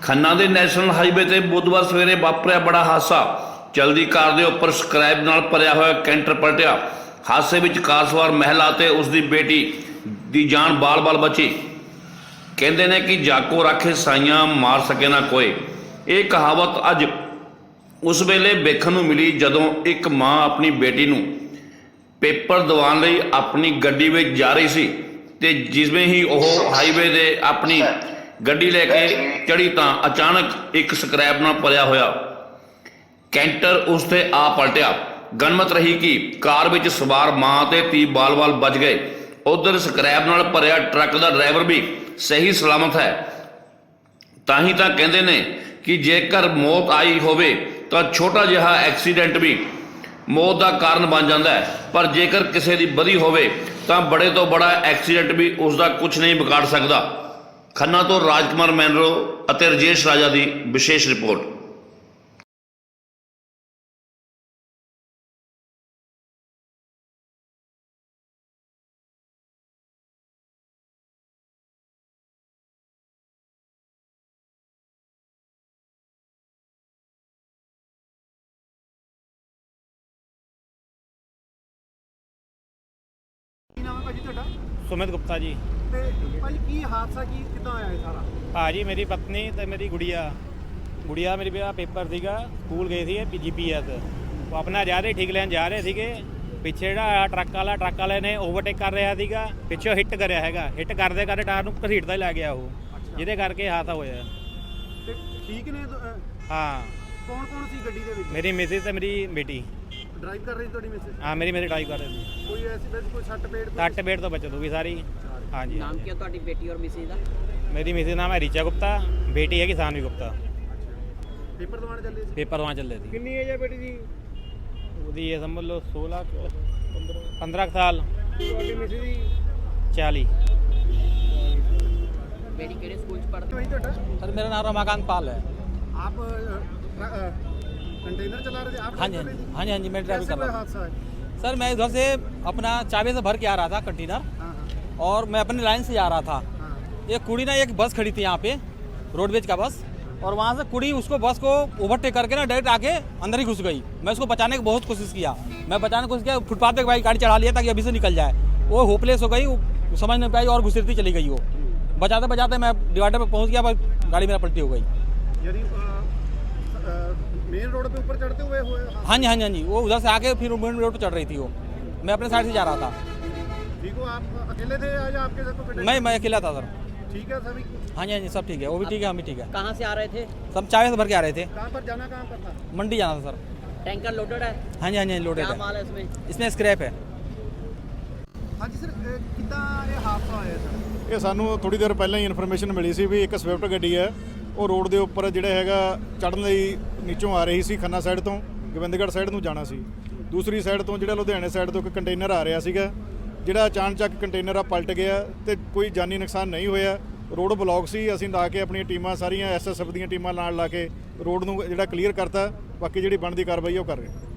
ਖੰਨਾ ਦੇ national highway ਤੇ ਬੁੱਧਵਾਰ ਸਵੇਰੇ ਵਾਪਰਿਆ ਬੜਾ ਹਾਦਸਾ। ਚਲਦੀ ਕਾਰ ਦੇ ਉੱਪਰ ਸਕ੍ਰੈਪ ਨਾਲ ਭਰਿਆ ਹੋਇਆ ਕੈਂਟਰ ਪਲਟਿਆ। ਹਾਦਸੇ ਵਿੱਚ ਕਾਰ ਸਵਾਰ ਮਹਿਲਾ ਤੇ ਉਸ ਦੀ ਬੇਟੀ ਦੀ ਜਾਨ ਬਾਲ-ਬਾਲ ਬਚੀ। ਕਹਿੰਦੇ ਨੇ ਕਿ ਜਾਕੋ ਰਾਖੇ ਸਾਈਆਂ ਮਾਰ ਸਕੇ ਨਾ ਕੋਈ। ਇਹ ਕਹਾਵਤ ਅੱਜ ਉਸ ਵੇਲੇ ਵੇਖਣ ਨੂੰ ਮਿਲੀ ਜਦੋਂ ਇੱਕ ਮਾਂ ਆਪਣੀ ਬੇਟੀ ਨੂੰ ਪੇਪਰ ਦਿਵਾਉਣ ਲਈ ਆਪਣੀ ਗੱਡੀ ਵਿੱਚ ਜਾ ਰਹੀ ਸੀ ਤੇ ਜਿਵੇਂ ਹੀ ਉਹ ਹਾਈਵੇ ਦੇ ਆਪਣੀ ਗੱਡੀ ਲੈ ਕੇ ਚੜੀ ਤਾਂ ਅਚਾਨਕ ਇੱਕ ਸਕ੍ਰੈਪ ਨਾਲ ਭਰਿਆ ਹੋਇਆ ਕੈਂਟਰ ਉਸ ਤੇ ਆ ਪਲਟਿਆ। ਗਨਮਤ ਰਹੀ ਕਿ ਕਾਰ ਵਿੱਚ ਸਵਾਰ ਮਾਂ ਤੇ ਧੀ ਬਾਲ-ਬਾਲ ਬਚ ਗਏ। ਉਧਰ ਸਕ੍ਰੈਪ ਨਾਲ ਭਰਿਆ ਟਰੱਕ ਦਾ ਡਰਾਈਵਰ ਵੀ ਸਹੀ ਸਲਾਮਤ ਹੈ। ਤਾਂ ਹੀ ਤਾਂ ਕਹਿੰਦੇ ਨੇ ਕਿ ਜੇਕਰ ਮੌਤ ਆਈ ਹੋਵੇ ਤਾਂ ਛੋਟਾ ਜਿਹਾ ਐਕਸੀਡੈਂਟ ਵੀ ਮੌਤ ਦਾ ਕਾਰਨ ਬਣ ਜਾਂਦਾ ਹੈ, ਪਰ ਜੇਕਰ ਕਿਸੇ ਦੀ ਬਦੀ ਹੋਵੇ ਤਾਂ ਬੜੇ ਤੋਂ ਬੜਾ ਐਕਸੀਡੈਂਟ ਵੀ ਉਸ ਦਾ ਕੁਝ ਨਹੀਂ ਵਿਗਾੜ ਸਕਦਾ। ਖੰਨਾ ਤੋਂ ਰਾਜਕੁਮਾਰ ਮੈਨਰੋ ਅਤੇ ਰਜੇਸ਼ ਰਾਜਾ ਦੀ ਵਿਸ਼ੇਸ਼ ਰਿਪੋਰਟ। ਕੀ ਨਾਮ ਹੈ ਭਾਜੀ ਤੁਹਾਡਾ? सुमित गुप्ता जी। ਤੇ ਭਾਜੀ ਕੀ ਹਾਦਸਾ ਕੀ ਕਿੱਦਾਂ ਹੋਇਆ ਇਹ ਸਾਰਾ? भाजी मेरी पत्नी तो मेरी गुड़िया गुड़िया मेरी बेटा पेपर ਸੀਗਾ ਸਕੂਲ ਗਏ ਸੀ GPS ਉਹ ਆਪਣਾ ਜਾ ਰਹੇ ਠੀਕ ਲੈਣ ਜਾ ਰਹੇ ਸੀਗੇ। ਪਿੱਛੇ ਜਿਹੜਾ ਟਰੱਕ ਵਾਲੇ ਨੇ ਓਵਰਟੇਕ ਕਰ ਰਿਹਾ ਸੀਗਾ, ਪਿੱਛੋਂ ਹਿੱਟ ਕਰਿਆ ਹੈਗਾ। ਹਿੱਟ ਕਰਦੇ ਟਾਇਰ ਨੂੰ ਘਸੀਟਦਾ ਹੀ ਲੈ ਗਿਆ ਉਹ, ਜਿਹਦੇ ਕਰਕੇ ਹਾਦਸਾ ਹੋਇਆ। ਤੇ ਠੀਕ ਨੇ ਹਾਂ, ਕੌਣ ਕੌਣ ਸੀ ਗੱਡੀ ਦੇ ਵਿੱਚ? ਮੇਰੀ ਮਿਸਿਸ ਤੇ ਮੇਰੀ ਬੇਟੀ। ਡਰਾਈਵ ਕਰ ਰਹੀ ਸੀ ਤੁਹਾਡੀ ਮਿਸਿਸ? ਹਾਂ, ਮੇਰੀ ਡਰਾਈਵ ਕਰ ਰਹੀ ਸੀ। ਕੋਈ ਐਸੀ ਵੈਸੀ ਕੋਈ ਸੱਟ ਪੇਟ? ਸੱਟ ਪੇਟ ਤੋਂ ਬਚ ਦੂਗੀ ਸਾਰੀ। ਹਾਂਜੀ। ਨਾਮ ਕੀ ਹੈ ਤੁਹਾਡੀ ਬੇਟੀ ਔਰ ਮਿਸਿਸ ਦਾ? ਮੇਰੀ ਮਿਸਿਸ ਨਾਮ ਹੈ ਰੀਚਾ ਗੁप्ता, ਬੇਟੀ ਹੈਗੀ ਸਾਨਵੀ ਗੁप्ता। ਪੇਪਰ ਦਵਾਉਣ ਚੱਲੇ ਸੀ? ਪੇਪਰ ਦਵਾਉਣ ਚੱਲੇ ਸੀ। ਕਿੰਨੀ ਏਜ ਹੈ ਬੇਟੀ ਦੀ? ਉਹਦੀ ਇਹ ਸਮਝ ਲਓ 15 ਸਾਲ। ਤੁਹਾਡੀ ਮਿਸਿਸ ਦੀ? 40। ਬੇਟੀ ਕਿਹੜੇ ਸਕੂਲ ਚ ਪੜ੍ਹਦੀ? ਭਾਈ ਤੁਹਾਡਾ? सर मेरा नाम रमाकांत पाल है। ਆਪ कंटेनर चला रहे थे आप? हाँ जी हाँ जी हाँ जी, मैं ड्राइविंग कैसे कर कोई रहा हादसा है? था सर। मैं उधर से अपना चाबी से भर के आ रहा था कंटेनर, हाँ हाँ और मैं अपनी लाइन से जा रहा था। हाँ। एक कुड़ी ना, एक बस खड़ी थी यहाँ पे, रोडवेज का बस, और वहाँ से कुड़ी उसको बस को ओवरटेक करके ना डायरेक्ट आके अंदर ही घुस गई। मैं उसको बचाने की बहुत कोशिश किया, फुटपाथ पे भाई गाड़ी चढ़ा लिया ताकि अभी से निकल जाए। वो होपलेस हो गई, वो समझ नहीं पाई और घुसरती चली गई। वो बचाते बचाते मैं डिवाइडर पे पहुँच गया, पर गाड़ी मेरा पलटी हो गई। यानी मेन रोड पे ऊपर चढ़ते हुए हुए? हाँ जी हाँ जी हाँ जी, वो उधर से आके फिर मेन रोड पर चढ़ रही थी। वो मैं अपने साइड से जा रहा था। ठीक हो आप? अकेले थे या आपके साथ कोई? मैं अकेला था सर। ठीक है सभी? हाँ जी हाँ जी, सब ठीक है। वो भी ठीक है, हम भी ठीक है। कहाँ से आ रहे थे? सब चाय से भर के आ रहे थे। कहाँ पर जाना, कहाँ पर था? मंडी जाना था सर। टैंकर लोडेड है? हाँ जी हाँ जी, लोडेड क्या है। माल है इसमें? इसमें स्क्रैप है। हाँ जी सर, कितना ये हादसा होया सर? ਇਹ ਸਾਨੂੰ ਥੋੜੀ ਦੇਰ ਪਹਿਲਾਂ ਹੀ ਇਨਫੋਰਮੇਸ਼ਨ ਮਿਲੀ ਸੀ ਵੀ ਇੱਕ ਸਵਿਫਟ ਗੱਡੀ ਹੈ, ਉਹ ਰੋਡ ਦੇ ਉੱਪਰ ਜਿਹੜਾ ਹੈਗਾ ਚੜ੍ਹਨ ਲਈ ਨੀਚੋਂ ਆ ਰਹੀ ਸੀ। ਖੰਨਾ ਸਾਈਡ ਤੋਂ ਗੋਬਿੰਦਗੜ੍ਹ ਸਾਈਡ ਨੂੰ ਜਾਣਾ ਸੀ। ਦੂਸਰੀ ਸਾਈਡ ਤੋਂ ਜਿਹੜਾ ਲੁਧਿਆਣੇ ਸਾਈਡ ਤੋਂ ਇੱਕ ਕੰਟੇਨਰ ਆ ਰਿਹਾ ਸੀਗਾ, ਜਿਹੜਾ ਅਚਾਨਕ ਕੰਟੇਨਰ ਆ ਪਲਟ ਗਿਆ ਤੇ ਕੋਈ ਜਾਨੀ ਨੁਕਸਾਨ ਨਹੀਂ ਹੋਇਆ। ਰੋਡ ਬਲੌਕ ਸੀ। ਅਸੀਂ ਲਾ ਕੇ ਆਪਣੀਆਂ ਟੀਮਾਂ ਸਾਰੀਆਂ SSF ਦੀਆਂ ਟੀਮਾਂ ਨਾਲ ਲਾ ਕੇ ਰੋਡ ਨੂੰ ਜਿਹੜਾ ਕਲੀਅਰ ਕਰਤਾ। ਬਾਕੀ ਜਿਹੜੀ ਬਣਦੀ ਕਾਰਵਾਈ ਉਹ ਕਰ ਰਹੇ।